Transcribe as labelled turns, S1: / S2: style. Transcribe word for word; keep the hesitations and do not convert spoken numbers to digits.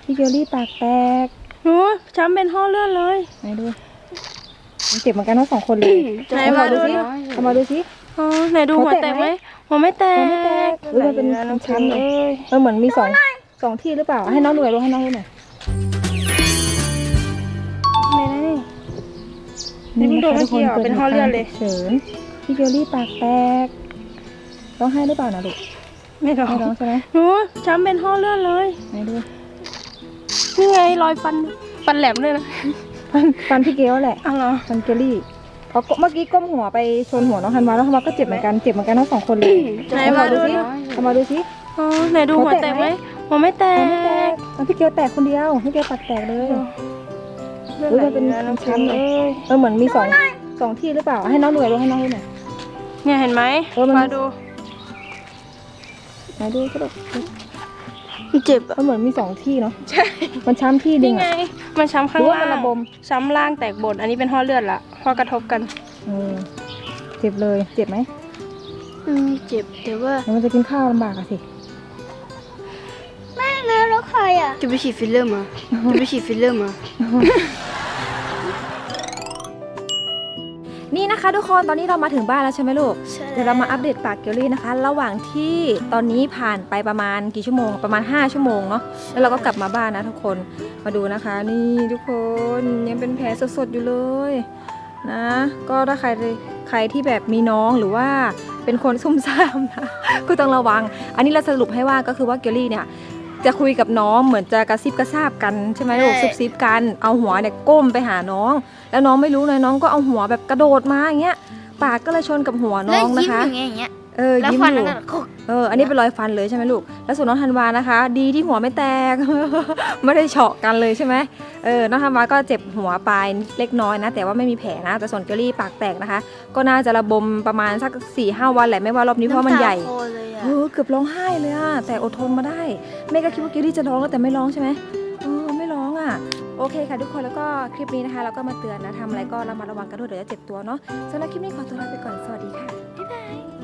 S1: พี่เกลลี่ปากแตก
S2: โอ้ช้ำเป็นห่อเลือดเลย
S1: ไหนดูมันเจ็บเหมือนกันทั้งสองคนเลย
S2: ไหนมาดูสิ
S1: เอามาดูสิ
S2: อ๋อไหนดูหัวแตกไหมหัวไม่แตก
S1: หัวไม่แตกเออมันเป็นช้ำเลยเออเหมือนมีสองสองที่หรือเปล่าให้น้องดูหน่อยดูให้น้องดูหน่อย
S2: นี่นี่เพิ่งโดนเมื่อกี้อ่ะเป็นห่อเลือดเลย
S1: เฉินพี่เกลลี่ปากแตกร้องไห้หรือเปล่านะลูก
S2: ไม่ร้อง
S1: ไม่ร้องใช่ไหม
S2: โอ้ช้ำเป็นห่อเลือดเลย
S1: ไหนดู
S2: นี่ไงรอยฟันฟันแหลมเลยนะ
S1: ฟันฟันพี่เกลแหละ
S2: อ๋อเหรอ
S1: ฟันเกลลี่เขาเมื่อกี้ก้มหัวไปชนหัวน้องธันวาแล้วธันวาก็เจ็บเหมือนกันเจ็บเหมือนกันทั้งสองคนเลย
S2: ไหนมาดูสิ
S1: เอามาดูสิ
S2: อ๋อไหนดูหัวแตกไหมหัวไม่แตก
S1: หัวไม่แตกพี่เกลแตกคนเดียวพี่เกลปากแตกเลยเออมันเป็นช้ำเลยเออเหมือนมีสองสองที่หรือเปล่าให้น้องดูหน่อยดูให้น้องดูหน่อย
S2: เนี่ยเห็นไหมมาดู
S1: มาดูก็ได้
S2: เจ็บ
S1: มันเหมือนมีสองที่เนาะ
S2: ใช่
S1: มันช้ำที่นึง
S2: ไงมันช้ำข้างล่าง
S1: ระบม
S2: ช้ำล่างแตกบนอันนี้เป็นห่อเลือดละห่อกระทบกัน
S1: เออเจ็บเลยเจ็บไหม
S2: อืมเจ็บแต่ว่า
S1: มันจะกินข้าวลำบากอะสิ
S2: แม่นะแล้วใครอ่ะจะไปฉีดฟิลเลอร์มาจะไปฉีดฟิลเลอร์มา
S1: นี่นะคะทุกคนตอนนี้เรามาถึงบ้านแล้วใช่ไหมลูกเดี๋ยวเรามาอัปเดตปากเกลลี่นะคะระหว่างที่ตอนนี้ผ่านไปประมาณกี่ชั่วโมงประมาณห้าชั่วโมงเนาะแล้วเราก็กลับมาบ้านนะทุกคนมาดูนะคะนี่ทุกคนยังเป็นแผลสดๆอยู่เลยนะก็ถ้าใครใครที่แบบมีน้องหรือว่าเป็นคนซุ่มซ่ามนะก็ต้องระวังอันนี้เราสรุปให้ว่าก็คือว่าเกลลี่เนี่ยจะคุยกับน้องเหมือนจะกระซิบกระซาบกันใช่ไหมลูกซุบซิบกันเอาหัวเนี่ยก้มไปหาน้องแล้วน้องไม่รู้เลยน้องก็เอาหัวแบบกระโดดมาอย่างเงี้ยปากก็เลยชนกับหัวน้องนะคะเออยิ้มอยู่เอออันนี้เป็นรอยฟันเลยใช่ไหมลูกแล้วส่วนน้องธันวานะคะ ดีที่หัวไม่แตก ไม่ได้เฉาะกันเลยใช่ไหมเออน้องธันวาก็เจ็บหัวปลายเล็กน้อยนะแต่ว่าไม่มีแผลนะแต่ส่วนเกลลี่ปากแตกนะคะก็น่าจะระบมประมาณสักสี่ห้าวันแหละไม่ว่ารอบนี้เพราะมันใหญ่เออเกือบร้องไห้เลยอะแต่อดทนมาได้แม่ก็คิดว่าเกลลี่จะร้องแต่ไม่ร้องใช่ไหมเออไม่ร้องอะโอเคค่ะทุกคนแล้วก็คลิปนี้นะคะเราก็มาเตือนนะทำอะไรก็ระมัดระวังกันด้วยเดี๋ยวจะเจ็บตัวเนาะสำหรับคลิปนี้ขอตัวลาไปก่อนสวัสดีค่ะบ๊ายบาย